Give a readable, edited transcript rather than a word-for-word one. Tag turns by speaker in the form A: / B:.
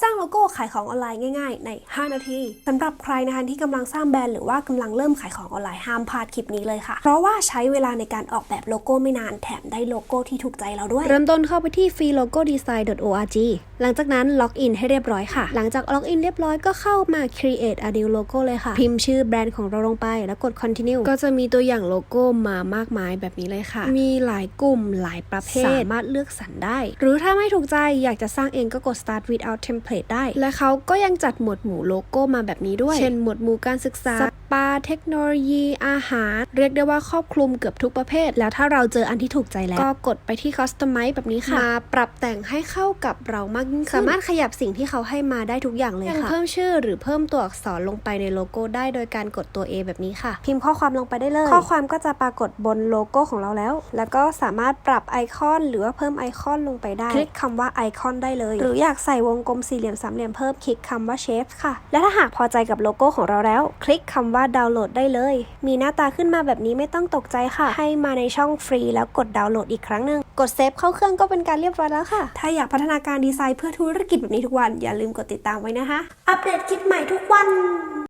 A: สร้างโลโก้ขายของออนไลน์ง่ายๆใน5นาทีสำหรับใครนะคะที่กำลังสร้างแบรนด์หรือว่ากำลังเริ่มขายของออนไลน์ห้ามพลาดคลิปนี้เลยค่ะเพราะว่าใช้เวลาในการออกแบบโลโก้ไม่นานแถมได้โลโก้ที่ถูกใจเราด้วยเริ่มต้นเข้าไปที่ freelogodesign.org หลังจากนั้นล็อกอินให้เรียบร้อยค่ะหลังจากล็อกอินเรียบร้อยก็เข้ามา create a new logo เลยค่ะพิมพ์ชื่อแบรนด์ของเราลงไปแล้วกด continue ก็จะมีตัวอย่างโลโก้มามากมายแบบนี้เลยค่ะมีหลายกลุ่มหลายประเภทสามารถเลือกสรรได้หรือถ้าไม่ถูกใจอยากจะสร้างเองก็กด start without template ได้และเขาก็ยังจัดหมวดหมู่โลโก้มาแบบนี้ด้วยเช่นหมวดหมู่การศึกษาสปาเทคโนโลยีอาหารเรียกได้ว่าครอบคลุมเกือบทุกประเภทแล้วถ้าเราเจออันที่ถูกใจแล้วก็กดไปที่ customize แบบนี้ค่ะมาปรับแต่งให้เข้ากับเรามากยิ่งขึ้นสามารถขยับสิ่งที่เขาให้มาได้ทุกอย่างเลยค่ะเพิ่มชื่อหรือเพิ่มตัวอักษรลงไปในโลโก้ได้โดยการกดตัว A แบบนี้ค่ะพิมพ์ข้อความลงไปได้เลยข้อความก็จะปรากฏบนโลโก้ของเราแล้วก็สามารถปรับไอคอนหรือว่าเพิ่มไอคอนลงไปได้คลิกคำว่าไอคอนได้เลยหรืออยากใส่วงกลมสี่เหลี่ยมสามเหลี่ยมเพิ่มคลิกคำว่าเชฟค่ะและถ้าหากพอใจกับโลโก้ของเราแล้วคลิกคำว่าดาวน์โหลดได้เลยมีหน้าตาขึ้นมาแบบนี้ไม่ต้องตกใจค่ะให้มาในช่องฟรีแล้วกดดาวน์โหลดอีกครั้งหนึ่งกดเซฟเข้าเครื่องก็เป็นการเรียบร้อยแล้วค่ะถ้าอยากพัฒนาการดีไซน์เพื่อธุรกิจแบบนี้ทุกวันอย่าลืมกดติดตามไว้นะคะอัปเดตคลิปใหม่ทุกวัน